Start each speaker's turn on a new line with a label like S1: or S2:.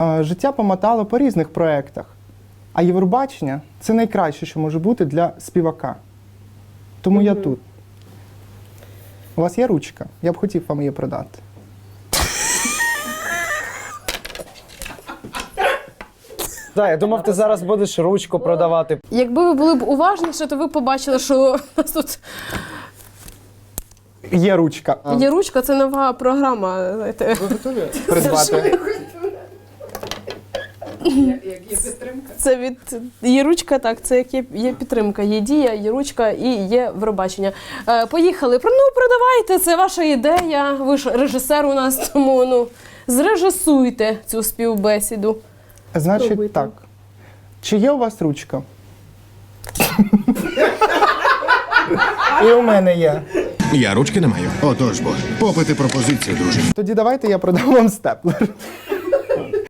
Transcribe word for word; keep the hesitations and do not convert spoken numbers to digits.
S1: Е, Життя помотало по різних проєктах. А Євробачення – це найкраще, що може бути для співака. Тому я тут. У вас є ручка? Я б хотів вам її продати.
S2: Так, я думав, ти зараз будеш ручку продавати.
S3: Якби ви були б уважніші, то ви б побачили, що у нас тут
S1: Є ручка.
S3: є ручка, це нова програма. Знаєте.
S1: Ви готові придбати?
S3: Це від є ручка, так, це як є, є підтримка, є дія, є ручка і є Євробачення. Е, поїхали. Ну, продавайте, це ваша ідея. Ви ж режисер у нас, тому ну, зрежисуйте цю співбесіду.
S1: Значить
S3: Пробуйте.
S1: так. Чи є у вас ручка? І у мене є.
S4: Я ручки не маю. Отож бо, попити пропозицію, друже.
S1: Тоді давайте я продам вам степлер.